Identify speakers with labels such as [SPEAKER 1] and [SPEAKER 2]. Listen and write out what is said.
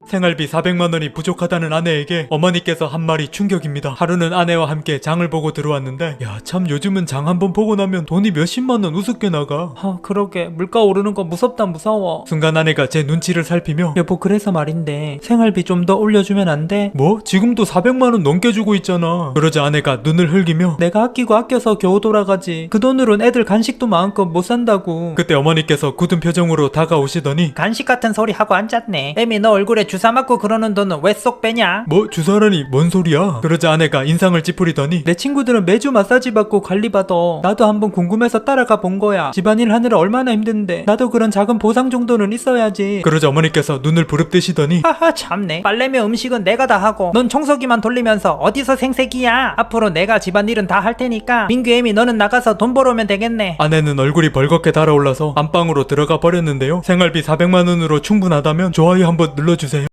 [SPEAKER 1] 생활비 400만원이 부족하다는 아내에게 어머니께서 한 말이 충격입니다. 하루는 아내와 함께 장을 보고 들어왔는데 야 참 요즘은 장 한번 보고 나면 돈이 몇십만원 우습게 나가.
[SPEAKER 2] 그러게 물가 오르는 거 무섭다 무서워.
[SPEAKER 1] 순간 아내가 제 눈치를 살피며
[SPEAKER 2] 여보 그래서 말인데 생활비 좀 더 올려주면 안 돼?
[SPEAKER 1] 뭐? 지금도 400만원 넘게 주고 있잖아. 그러자 아내가 눈을 흘기며
[SPEAKER 2] 내가 아끼고 아껴서 겨우 돌아가지. 그 돈으론 애들 간식도 마음껏 못 산다고.
[SPEAKER 1] 그때 어머니께서 굳은 표정으로 다가오시더니
[SPEAKER 2] 간식 같은 소리 하고 앉았네. 애미 너 얼굴에 주사 맞고 그러는 돈은 왜 쏙 빼냐?
[SPEAKER 1] 뭐 주사라니 뭔 소리야? 그러자 아내가 인상을 찌푸리더니
[SPEAKER 2] 내 친구들은 매주 마사지 받고 관리받아. 나도 한번 궁금해서 따라가 본 거야. 집안일 하느라 얼마나 힘든데 나도 그런 작은 보상 정도는 있어야지.
[SPEAKER 1] 그러자 어머니께서 눈을 부릅뜨시더니
[SPEAKER 2] 하하 참네. 빨래며 음식은 내가 다 하고 넌 청소기만 돌리면서 어디서 생색이야. 앞으로 내가 집안일은 다 할 테니까 민규 애미 너는 나가서 돈 벌어오면 되겠네.
[SPEAKER 1] 아내는 얼굴이 벌겋게 달아올라서 안방으로 들어가 버렸는데요. 생활비 400만원으로 충분하다면 좋아요 한번 눌러주세요.